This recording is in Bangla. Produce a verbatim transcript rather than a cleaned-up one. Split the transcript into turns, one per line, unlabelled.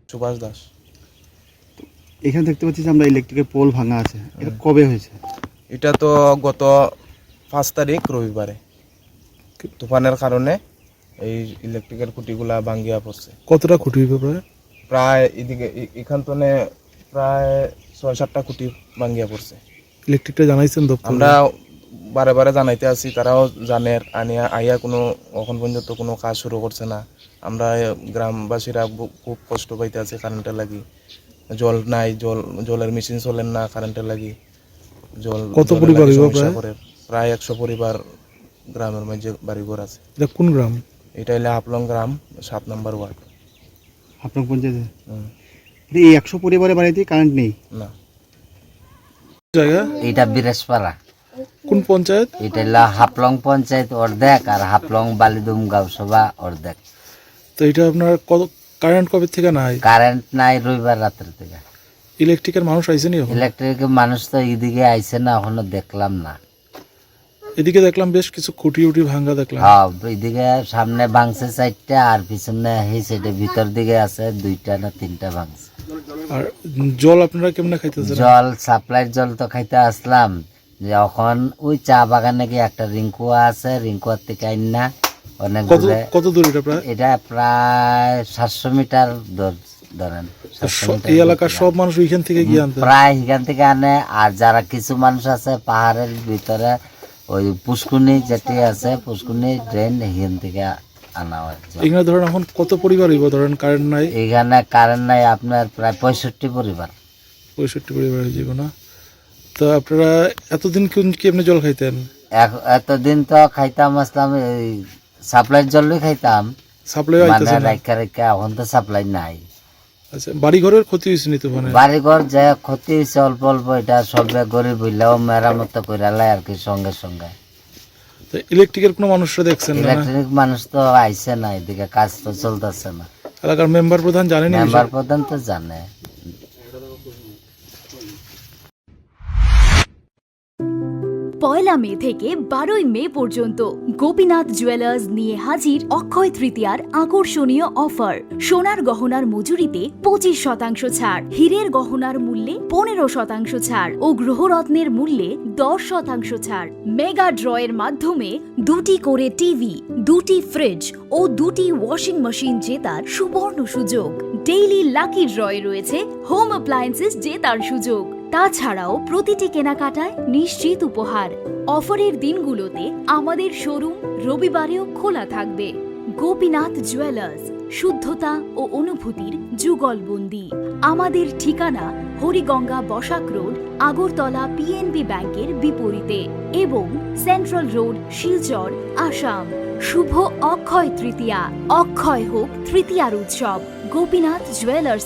সুভাষ দাস।
এখানে দেখতে পাচ্ছি যে আমরা ইলেকট্রিকের পোল ভাঙা আছে, এটা কবে হয়েছে?
এটা তো গত পাঁচ তারিখ রবিবারে তুফানের কারণে এই ইলেকট্রিকের খুঁটিগুলা ভাঙ্গিয়া পড়ছে।
কতটা খুঁটি হইবে প্রায়?
প্রায় এদিকে এ- এখান থেকে প্রায় ছয় সাতটা খুঁটি ভাঙ্গিয়া পড়ছে।
ইলেকট্রিকটা জানাইছেন দপ্তরে?
আমরা বারে বারে জানাইতে আছি, তারাও জানে আনিয়া আইয়া কোনো এখন পর্যন্ত কোনো কাজ শুরু করছে না। আমরা গ্রামবাসীরা বু- খুব কষ্ট পাইতে আছি কারেন্টের লাগি। জল নাই, জল জলের মেশিন চলেন না কারেন্টের লাগি। জল
কত
জলের
পরিবার
লাগি
হইব
সমস্যা
প্রায়?
করে। প্রায় একশো পরিবার গ্রামের মাঝে বাড়িঘর আছে।
এটা কোন গ্রাম?
এটা হলে হাফলং গ্রাম, সাত নম্বর ওয়ার্ড।
আপনার পঞ্চায়েতে
হুম,
এই একশো পরিবারের বাড়িতে কারেন্ট নেই?
না।
জায়গা
এটা বিরেশপাড়া,
কোন পঞ্চায়েত?
এটা হলো হাফলং পঞ্চায়েত অর্ধেক আর হাফলং বালিদুম গাঁওসভা অর্ধেক।
তো এটা আপনার কত কারেন্ট কবে থেকে নাই?
কারেন্ট নাই রবিবার রাত্রে থেকে।
ইলেকট্রিকের মানুষ আইসেনি এখন?
ইলেকট্রিক মানুষ তো এদিকে আইছে না, এখনো দেখলাম না।
এদিকে দেখলাম বেশ কিছু খুঁটি উটি ভাঙ্গা দেখলাম।
হ্যাঁ, এদিকে সামনে ভাঙছে চারটা আর পিছনে এই সাইডে ভিতর দিকে আছে দুইটা না তিনটা ভাঙছে।
আর জল আপনারা কেমনে খাইতেছেন?
জল সাপ্লাইয়ের জল তো খাইতে আসলাম, যখন ওই চা বাগানে কি একটা রিঙ্কুয়া আছে, রিঙ্কুয়ার থেকে আইন না অনেক
কত
দূরে।
কত দূর এটা প্রায়?
এটা প্রায় সাতশো মিটার দূর ধরেন।
তো
সাতশো
স-
মিটার
এই
দূর
এলাকার
থেকে।
সব মানুষ ওইখান থেকে গিয়ে আনতে?
প্রায় এখান থেকে আনে, আর যারা কিছু মানুষ আছে পাহাড়ের ভিতরে ওই পুষ্কুনি যেটি আছে, পুষ্কুনি ড্রেন এখান থেকে আনা হয় জল।
এখানে ধরেন এখন কত পরিবার হইব ধরেন কারেন্ট নাই?
এখানে কারেন্ট নাই আপনার প্রায় পঁয়ষট্টি পরিবার।
পঁয়ষট্টি পরিবার হয়ে যাবে না? তো আপনারা এতদিন কোন কি এমনি জল খাইতেন?
এখ- এতদিন তো খাইতাম আসলাম এই সাপ্লাইয়ের জলই খাইতাম,
সাপ্লাই
মানে
আইতেছে না?
রাখা রেখা, এখন তো সাপ্লাই নাই।
আচ্ছা, বাড়ি ঘরের ক্ষতি হয়েছে নি তুফানে?
বাড়িঘর যে ক্ষতি হয়েছে অল্প অল্প, এটা সবে গরিব হইলেও মেরামত করে লাই আর কি সঙ্গে সঙ্গে।
তো ইলেকট্রিকের কোনো মানুষরা দেখছেন না?
ইলেকট্রিক মানুষ তো আইছে না, এদিকে কাজ তো চলতেছে না।
এলাকার মেম্বার প্রধান জানেনি?
মেম্বার প্রধান তো জানে।
পয়লা মে থেকে বারোই মে পর্যন্ত গোপীনাথ জুয়েলার্স নিয়ে হাজির অক্ষয় তৃতীয়ার আকর্ষণীয় অফার। সোনার গহনার মজুরিতে পঁচিশ শতাংশ ছাড়, হীরের গহনার মূল্যে পনেরো শতাংশ ছাড় ও গ্রহরত্নের মূল্যে দশ শতাংশ ছাড়। মেগা ড্রয়ের মাধ্যমে দুটি করে টিভি, দুটি ফ্রিজ ও দুটি ওয়াশিং মেশিন জেতার সুবর্ণ সুযোগ। ডেইলি লাকি ড্রয়ে রয়েছে হোম অ্যাপ্লায়েন্সেস জেতার সুযোগ। তাছাড়াও প্রতিটি কেনাকাটায় নিশ্চিত উপহার। অফারের দিনগুলোতে আমাদের শোরুম রবিবারেও খোলা থাকবে। গোপীনাথ জুয়েলার্স, শুদ্ধতা ও অনুভূতির যুগলবন্দি। আমাদের ঠিকানা হরিগঙ্গা বসাক রোড, আগরতলা পিএনবি ব্যাংকের বিপরীতে এবং সেন্ট্রাল রোড, শিলচর, আসাম। শুভ অক্ষয় তৃতীয়া। অক্ষয় হোক তৃতীয়ার উৎসব। গোপীনাথ জুয়েলার্স